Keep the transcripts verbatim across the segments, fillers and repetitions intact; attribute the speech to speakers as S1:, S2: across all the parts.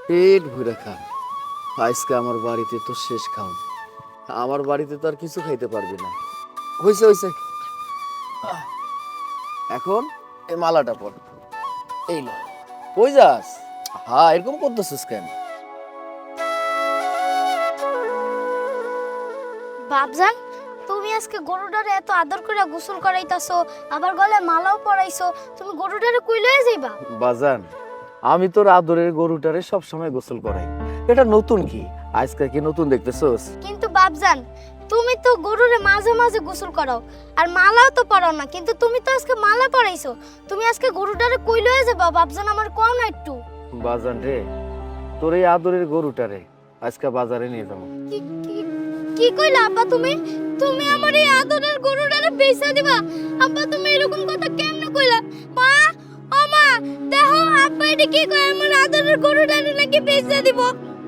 S1: পেট ভরে খা। আজকে আমার বাড়িতে তো শেষ খাওন। আমার বাড়িতে তো আর কিছু খাইতে পারবি না। হইছে হইছে, আহ, এখন এই মালাটা পর। এই ল, কই যাস? হ্যাঁ, এরকম করতেছিস কেন?
S2: বাপজান, তুমি আজকে গরুটারে এত আদর করে গোসল করাইতাছো, আবার গলে মালাও পরাইছো, তুমি গরুটারে কই লয়ে যাইবা?
S1: বাজান, আমি তোর আদরের গরুটারে সব সময় গোসল করাই। এটা নতুন কি? আজকে কি নতুন দেখতেছস?
S2: কিন্তু বাপজান, তুমি তো গরুরে মাঝে মাঝে গোসল করাও, আর মালাও তো পরাও না, কিন্তু তুমি তো আজকে মালা পরাইছো। তুমি আজকে গরুটারে কই লয়ে যাবা বাপজান, আমার কও না একটু?
S1: বাজান রে, তোর এই আদরের গরুটারে আজকে বাজারে নিয়ে যাবো।
S2: কি কি- কি কইলা আব্বা তুমি? তুমি আমার এই আদরের গরুটারে বেচা দিবা? আব্বা তুমি এরকম কথা কেমনে কইলা? মা, ও মা, দেখো আব্বা এটা কি কয়, আমার আদরের গরুটারে নাকি বেচা দিব।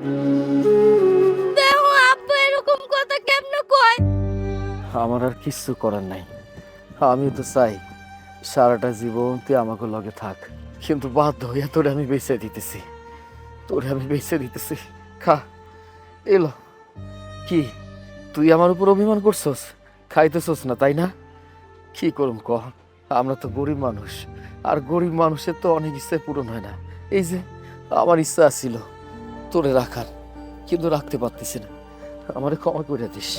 S2: দেখো আব্বা এরকম কথা কেমনে কয়?
S1: আমার আর কিচ্ছু করার নাই। আমি তো চাই সারাটা জীবন তুই আমাকে লগে থাক, কিন্তু বাধ্য হইয়া তোরে আমি বেঁচে দিতেছি। তোরে আমি বেঁচে দিতেছি, খা। এলো কি, তুই আমার উপর অভিমান করছস? খাইতেছস না তাই না? কি করুম ক, আমরা তো গরিব মানুষ, আর গরিব মানুষের তো অনেক ইচ্ছাই পূরণ হয় না। এই যে আমার ইচ্ছা ছিল তোরে রাখার, কিন্তু রাখতে পারতেছি না। আমারে ক্ষমা করে দিস।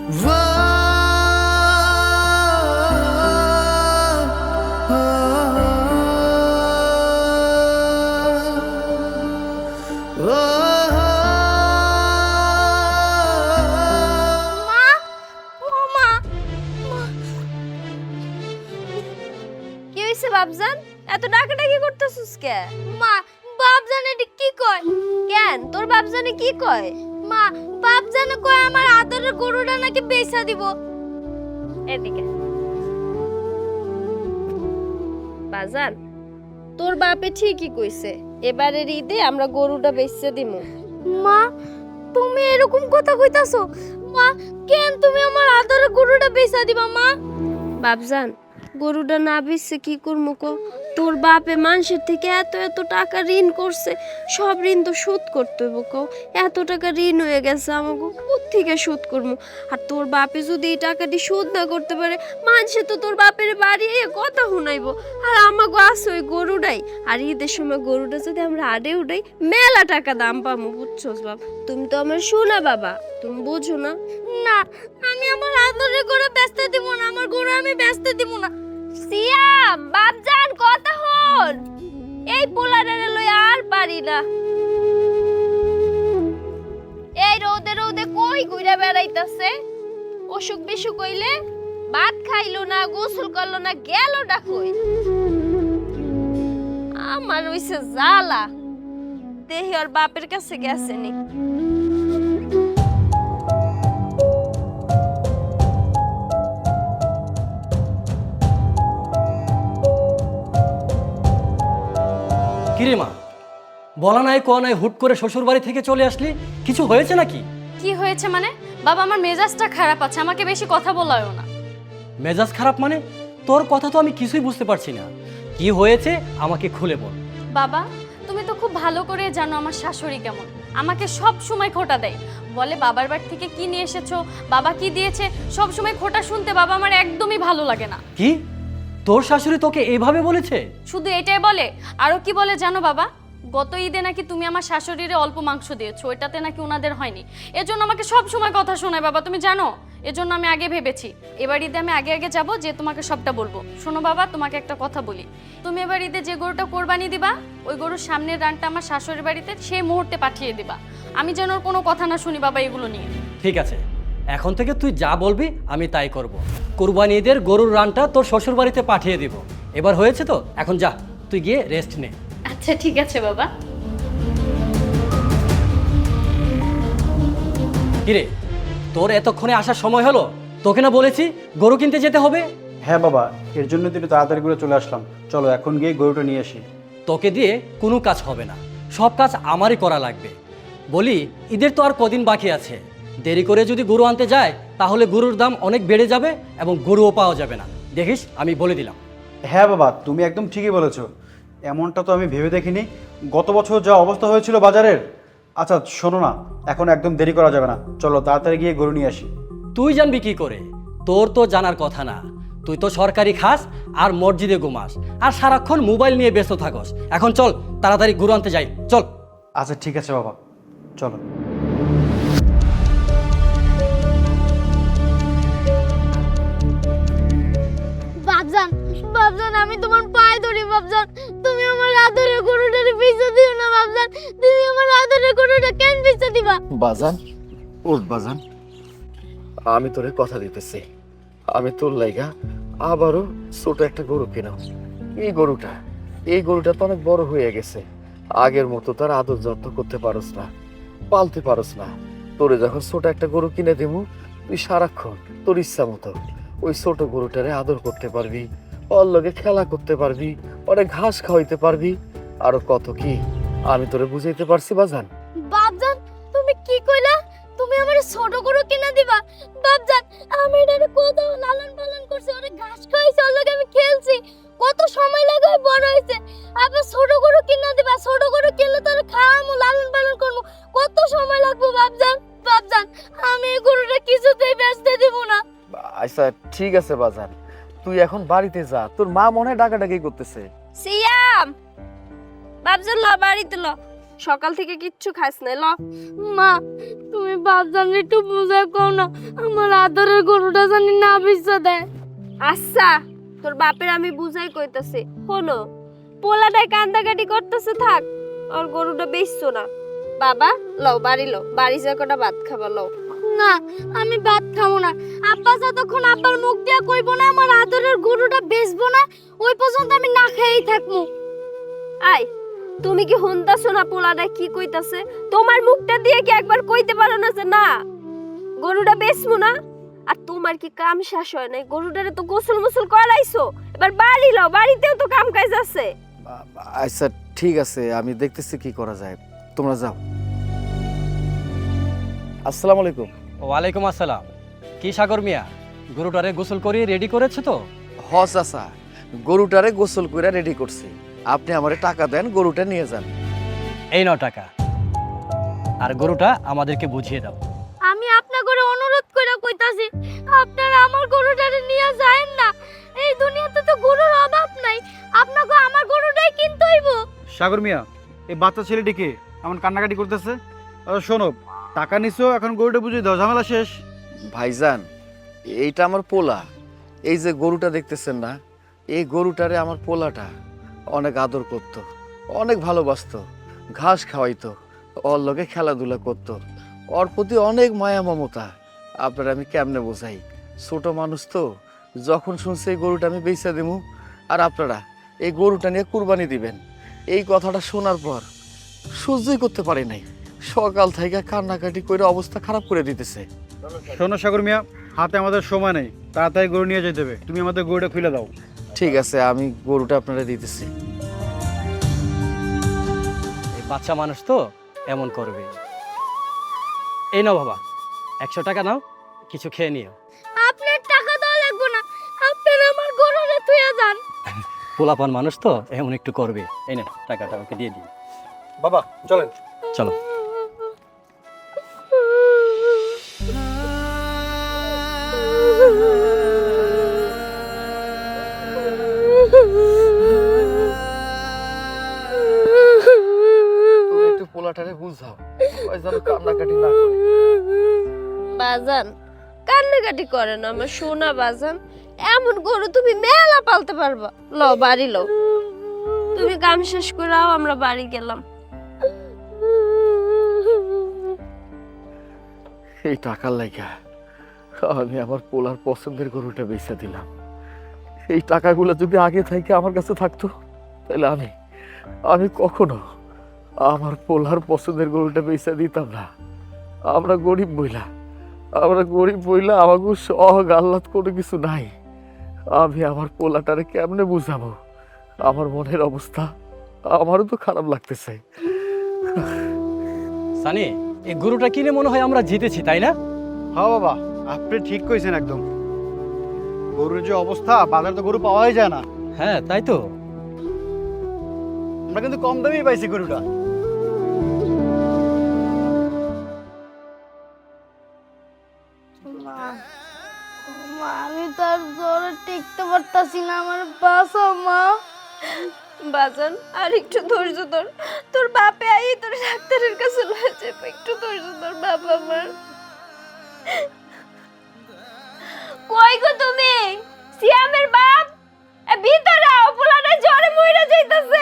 S2: মা, ও মা, মা।
S3: কি হইছে বাপজান? এত ডাকাডাকি করতেছিস কে?
S2: মা, বাপজান এটা কি কয়?
S3: কেন তোর বাপজানে কি কয়?
S2: মা, বাপজান কয় আমার আদরের গরুটা নাকি বেচা দিব।
S3: এদিকে বাজান, তোর বাপে ঠিকই কইছে, এবারের ঈদে আমরা গরুটা বেচতে দিমু।
S2: মা, তুমি এরকম কথা কইতাছো? মা, কেন তুমি আমার আদরের গরুটা বেচা দিবা মা?
S3: বাপজান, গরুটা না বেচছে কি করবো কো? তোর বাপে মানুষের থেকে এত এত টাকা ঋণ করছে, সব ঋণ তো শোধ করতে হইব কো। এত টাকা ঋণ হয়ে গেছে আমাকে, কোত্থেকে শোধ করবো? আর তোর বাপে যদি এই টাকাটি শোধ না করতে পারে, মানুষে তো তোর বাপের বাড়ি এ কথা শুনাইবো। আর আমাকে আছে ওই গরুটাই, আর ঈদের সময় গরুটা যদি আমরা আডে উঠাই, মেলা টাকা দাম পাবো, বুঝছোস বাপ? তুমি তো আমার শোনা বাবা, তুমি বুঝো না?
S2: না, আমি আমার আদরের গরু বেচতে দিব না, আমার গরু আমি বেচতে দিব না।
S3: সিয়াম, বাপজান কথা হল, এই পোলারে লই আর পারি না। এই রোদে রোদে কই ঘুরে বেড়াইতাছে? অসুখ বিসুখ হইলে ভাত খাইলো না, গোসল করলো না, গেল ডাকই। আমার হইছে জ্বালা, দেহি ওর বাপের কাছে গেছে নি।
S4: কিরে মা, বলা নাই কোয়া নাই হুট করে শ্বশুর বাড়ি থেকে চলে আসলি, কিছু হয়েছে নাকি?
S5: কি হয়েছে মানে? বাবা, আমার মেজাজটা খারাপ আছে, আমাকে বেশি কথা বলায়ও না।
S4: মেজাজ খারাপ মানে? তোর কথা তো আমি কিছুই বুঝতে পারছি না। কি হয়েছে আমাকে খুলে বল।
S5: বাবা, তুমি তো খুব ভালো করে জানো আমার শাশুড়ি কেমন। আমাকে সব সময় খোঁটা দেয়, বলে বাবার বাড়ি থেকে কি নিয়ে এসেছো, বাবা কি দিয়েছে, সব সময় খোঁটা শুনতে বাবা আমার একদমই ভালো লাগে না।
S4: কি, তোর শাশুড়ি তোকে এইভাবে বলেছে?
S5: শুধু এটাই বলে, আরো কি বলে জানো বাবা? গত ঈদে নাকি তুমি আমার শাশুড়িরে অল্প মাংস দিয়েছো, ওইটাতে নাকি ওনাদের হয়নি, এজন্য আমাকে সব সময় কথা শোনায় বাবা, তুমি জানো? এজন্য আমি আগে ভেবেছি এবার ঈদে আমি আগে আগে যাব, যে তোমাকে সবটা বলবো। শোনো বাবা, তোমাকে একটা কথা বলি, তুমি এবার ঈদে যে গরুটা কোরবানি দিবা, ওই গরুর সামনের রানটা আমার শাশুড়ির বাড়িতে সেই মুহূর্তে পাঠিয়ে দিবা। আমি যেন ওর কোনো কথা না শুনি বাবা এগুলো নিয়ে।
S4: ঠিক আছে, এখন থেকে তুই যা বলবি আমি তাই করব। কুরবানি ঈদের গরুর রানটা তোর শ্বশুর বাড়িতে পাঠিয়ে দিব। এবার হয়েছে তো, এখন যা, তুই গিয়ে রেস্ট নে।
S5: আচ্ছা ঠিক আছে বাবা।
S4: কিরে, তোর এতক্ষণে আসার সময় হলো? তোকে না বলেছি গরু কিনতে যেতে হবে?
S6: হ্যাঁ বাবা, এর জন্য তো একটু তাড়াতাড়ি করে চলে আসলাম। চলো এখন গিয়ে গরুটা নিয়ে আসি।
S4: তোকে দিয়ে কোনো কাজ হবে না, সব কাজ আমারই করা লাগবে। বলি, ঈদের তো আর কদিন বাকি আছে, দেরি করে যদি গরু আনতে যায় তাহলে গরুর দাম অনেক বেড়ে যাবে এবং গরুও পাওয়া যাবে না। দেখিস, আমি বলে দিলাম।
S6: হ্যাঁ বাবা, তুমি একদম ঠিকই বলেছো। এমনটা তো আমি ভেবে দেখিনি। গত বছর যা অবস্থা হয়েছিল বাজারের। আচ্ছা শোনো না, এখন একদম দেরি করা যাবে না, চলো তাড়াতাড়ি গিয়ে গরু নিয়ে আসি।
S4: তুই জানবি কি করে? তোর তো জানার কথা না। তুই তো সরকারি খাস আর মসজিদে ঘুমাস আর সারাক্ষণ মোবাইল নিয়ে ব্যস্ত থাকস। এখন চল তাড়াতাড়ি গরু আনতে যাই, চল।
S6: আচ্ছা ঠিক আছে বাবা, চলো।
S2: বাবজান, বাবজান আমি তোমার পায়ে ধরি বাবজান, তুমি আমার আদরের গরুটারে বেচে দিও না বাবজান, তুমি আমার আদরের গরুটা কেন বেচে দিবা?
S1: বাজান, ওঠ বাজান, আমি তোরে কথা দিতেছি, আমি তোর লাইগা আবারও ছোট একটা গরু কিনাও। এই গরুটা এই গরুটা তো অনেক বড় হয়ে গেছে, আগের মতো তার আদর যত্ন করতে পারস না, পালতে পারস না। তোরে যখন ছোট একটা গরু কিনে দেবো, তুই সারাক্ষণ তোর ইচ্ছা মতো ওই ছোট গরুটারে আদর করতে পারবি, ওর লগে খেলা করতে পারবি, অনেক ঘাস খাওয়াইতে পারবি, আরো কত কি আমি তোরে বুঝাইতে পারছি বাজান?
S2: বাবজান তুমি কি কইলা? তুমি আমার ছোট গরু কিনে দিবা? বাবজান আমি এটারে কত লালন পালন করছি, ওরে ঘাস খাওয়াইছি, ওর লগে আমি খেলছি, কত সময় লাগে ওই বড় হইছে, আবার ছোট গরু কিনে দিবা? ছোট গরু কিনলে তোরে খাওয়ামু, লালন পালন করবো, কত সময় লাগবে বাবজান? বাবজান আমি এই গরুটা কিছুতেই বেচতে দিব না।
S1: আচ্ছা ঠিক আছে বাজান, তুই এখন বাড়িতে যা, তোর মা মনে হয় ডাকাডাকি করতেছে।
S3: সিয়াম, বাবজান ল বাড়িতে ল, সকাল থেকে কিচ্ছু খাস নাই, ল।
S2: মা তুমি বাবজান একটু বুঝাই কও না, আমার আদরের গরুটা জানি না বেচে দেয়।
S3: আচ্ছা তোর বাপের আমি বুঝাই কইতাছি, শোনো পোলাটাই কান্দাকাটি করতেছে, থাক, আর গরুটা বেচছো না। বাবা লও বাড়ি লও, বাড়ি যা কটা ভাত খাবা, লও।
S2: না আমি ভাত খাবো না, আব্বা যতক্ষণ আব্বার মুখ দিয়া কইবো না আমার আদরের গরুটা বেচবো না, ওই পর্যন্ত আমি না খেয়েই থাকবো।
S3: আই তুমি কি শুনতাছো না পোলাটা কি কইতাছে? তোমার মুখটা দিয়ে কি একবার কইতে পারো না যে না গরুটা বেচবো না? আর তোমার কি কাম শেষ হয় নাই? গরুটারে তো গোসল মোসল করাইছো, এবার বাড়ি লও, বাড়িতেও তো কাম কাজ আছে।
S1: আচ্ছা ঠিক আছে, আমি দেখতেছি কি করা যায়, তোমরা যাও। আসসালামু আলাইকুম।
S4: ওয়ালাইকুম আসসালাম। কি সাগর মিয়া, গরুটারে গোসল করে রেডি করেছো তো?
S1: হ চাচা, গরুটারে গোসল করে রেডি করছি, আপনি আমারে টাকা দেন, গরুটা নিয়ে যান।
S4: এই নাও টাকা, আর গরুটা আমাদেরকে বুঝিয়ে দাও।
S2: আমি আপনার করে অনুরোধ করে কইতাছি, আপনারা আমার গরুটারে নিয়ে যায়েন না, এই দুনিয়াতে তো গরুর অভাব নাই, আপনাকে আমার গরুটাই কিনতে হইব।
S6: সাগর মিয়া, এই বাচ্চা ছেলেটিকে এমন কান্নাকাটি করতেছে। আচ্ছা শোনো, টাকা নিছো, এখন গরুটা বুঝিয়ে দাও, ঝামেলা শেষ।
S1: ভাইজান এইটা আমার পোলা, এই যে গরুটা দেখতেছেন না, এই গরুটারে আমার পোলাটা অনেক আদর করত, অনেক ভালোবাসতো, ঘাস খাওয়াইতো, ওর লগে খেলাধুলা করতো, ওর প্রতি অনেক মায়া মমতা। আপনারা আমি কেমনে বোঝাই, ছোট মানুষ তো, যখন শুনছে এই গরুটা আমি বেচা দেবো আর আপনারা এই গরুটা নিয়ে কুরবানি দিবেন, এই কথাটা শোনার পর সহ্যই করতে পারি নাই, সকাল থেকে কান্নাকাটি করে অবস্থা খারাপ করে দিতেছে।
S6: শোনো সাগর মিয়া, হাতে আমাদের সময় নেই, তাড়াতাড়ি গরু নিয়ে যেতে হবে, তুমি আমাদের গরুটা খুলে দাও।
S1: ঠিক আছে, আমি গরুটা আপনারা দিতেছি।
S4: এই বাচ্চা মানুষ তো এমন করবে। এই নাও বাবা, একশো টাকা নাও, কিছু খেয়ে নিও।
S2: আপনার টাকা দেওয়া লাগবে না, আপনারা আমার গরুটা থুয়ে যান।
S4: পোলাপান মানুষ তো এমন একটু করবে। এই না টাকাটা ওকে দিয়ে দিই।
S6: বাবা চলেন।
S4: চলো।
S1: তুমি একটু পোলাটারে বুঝাও, ওই যেন কান্নাকাটি না করে।
S3: বাজান কান্নাকাটি করে না আমার সোনা বাজান, এমন গরু তুমি মেলা পালতে পারবা। লও বাড়ি লও, তুমি কাম শেষ করে আও, আমরা বাড়ি গেলাম।
S1: এই টাকার লাগা আমি আমার পোলার পছন্দের গরুটা বেচে দিলাম। এই টাকাগুলো যদি আগে থেকে আমার কাছে থাকতো, তাহলে আমি আমি কখনো আমার পোলার পছন্দের গরুটা বেচে দিতাম না। আমরা গরিব বইলা আমরা গরিব বইলা আমাকে সহ আহ্লাদ কোনো কিছু নাই। আমি আমার পোলাটারে কেমনে বুঝাবো, আমার মনের অবস্থা আমারও তো খারাপ লাগতেছে।
S4: সানি, এই গরুটা কিনে মনে হয় আমরা জিতেছি, তাই না?
S6: হ্যাঁ বাবা, আপনি ঠিক কইছেন একদম। গরুর যে অবস্থা, বাজারে তো গরু পাওয়াই যায় না।
S4: হ্যাঁ তাই তো।
S6: আমরা কিন্তু কম দামেই পাইছি গরুটা।
S2: মা মা, আমি তার জ্বরে টিকতে পারতাছি না, আমার বাঁচাও মা।
S3: বাজান আর একটু ধৈর্য ধর, তোর বাপে আই তোর ডাক্তারের কাছে লয়ে যাবে, একটু ধৈর্য ধর বাবা আমার। কই গো তুমি, সিয়ামের বাপ? এ ভিতরে আও, পোলাটা জ্বরে মইরা যাইতাছে।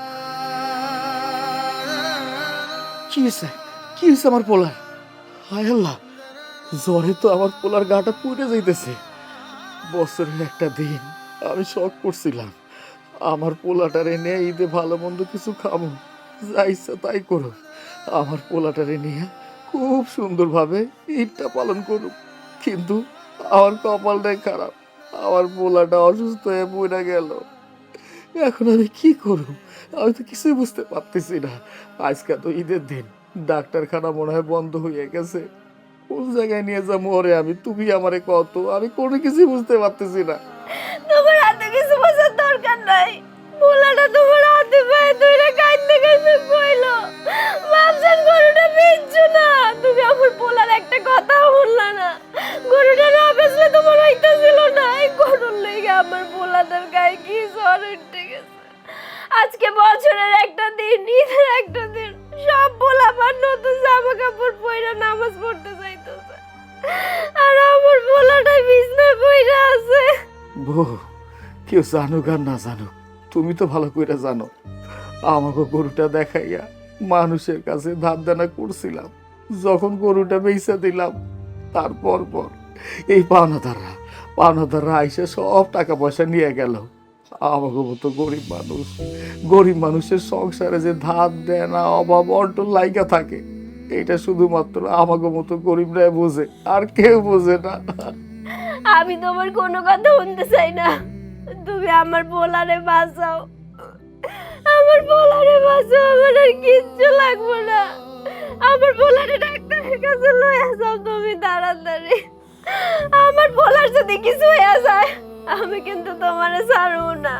S1: কি হয়েছে কি হয়েছে আমার পোলার? হায় আল্লাহ, জ্বরে তো আমার পোলার গাটা পুড়ে যাইতেছে। বছরের একটা দিন আমি শখ করছিলাম আমার পোলাটারে নিয়ে ঈদে ভালো মন্দ কিছু খাবো, যা ইচ্ছা তাই করুক, আমার পোলাটারে নিয়ে খুব সুন্দরভাবে ঈদটা পালন করুক। কিন্তু আমার কপালটাই খারাপ, আমার পোলাটা অসুস্থ হয়ে পড়ে গেল। এখন আমি কি করব? আমি তো কিছুই বুঝতে পারতেছি না। আজকে তো ঈদের দিন, ডাক্তারখানা মনে হয় বন্ধ হয়ে গেছে। কোন জায়গায় নিয়ে যাবো ওরে আমি? তুমি আমারে কত, আমি কোনো কিছুই বুঝতে পারতেছি না।
S3: তোমার হাতে কিছু বোঝার দরকার নাই, পোলাটা তোমার হাতে পায়ে ধরে কাইন্দে কাইন্দে কইলো, বাপজান গরুটা বেচছো না। তুমি আমার পোলার একটা কথাও বললা না। গরুটা না বেচলে তোমার হইতাছিল না। এই গরুর লেগে আমার পোলাটার গায়ে কি জ্বর উঠে গেছে। আজকে বছরের একটা দিন, ঈদের একটা দিন, সব পোলাপান নতুন জামা কাপড় পরে নামাজ পড়তে যাইতেছে, আর আমার পোলাটা বিছনায় পড়ে আছে।
S1: বউ, কেউ জানুক আর না জানুক, তুমি তো ভালো করে জানো আমাকে গরুটা দেখাইয়া মানুষের কাছে ধার দেনা করছিলাম। যখন গরুটা বেচা দিলাম তারপর পর এই পাওনাদাররা পাওনাদাররা আইসে সব টাকা পয়সা নিয়ে গেল। আমাকে মতো গরিব মানুষ, গরিব মানুষের সংসারে যে ধার দেনা অভাব অন্টন লাইগা থাকে, এটা শুধুমাত্র আমাকে মতো গরিবরাই বোঝে, আর কেউ বোঝে না।
S3: আমি তোমার কোনো কথা শুনতে চাই না, তুমি আমার পোলারে বাঁচাও, আমার পোলারে বাঁচাও, আমার আর কিচ্ছু লাগবে না। আমার পোলারে ডাক্তারের কাছে লয়ে যাও তুমি তাড়াতাড়ি। আমার পোলার যদি কিছু হয়ে যায় আমি কিন্তু তোমারে ছাড়বো না।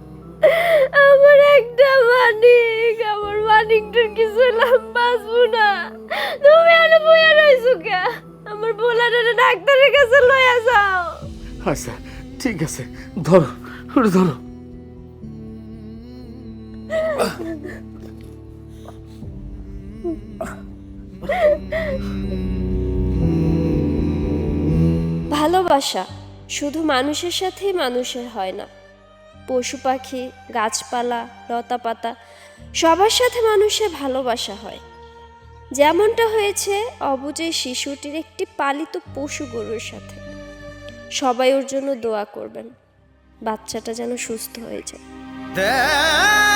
S3: আমার একটা মানিক, আমার মানিকটার কিছু লাভ বাঁচবো না। তুমি আর বইয়া রইছো কে? আমার পোলারে ডাক্তারের কাছে লয়ে যাও।
S1: আচ্ছা ঠিক আছে, ধরো ওরে ধরো।
S3: ভালোবাসা শুধু মানুষের সাথেই মানুষের হয় না, পশু পাখি, গাছপালা, লতাপাতা সবার সাথে মানুষের ভালোবাসা হয়। যেমনটা হয়েছে অবুঝ শিশুটির একটি পালিত পশু গরুর সাথে। সবাই ওর জন্য দোয়া করবেন, বাচ্চাটা যেন সুস্থ হয়ে যায়।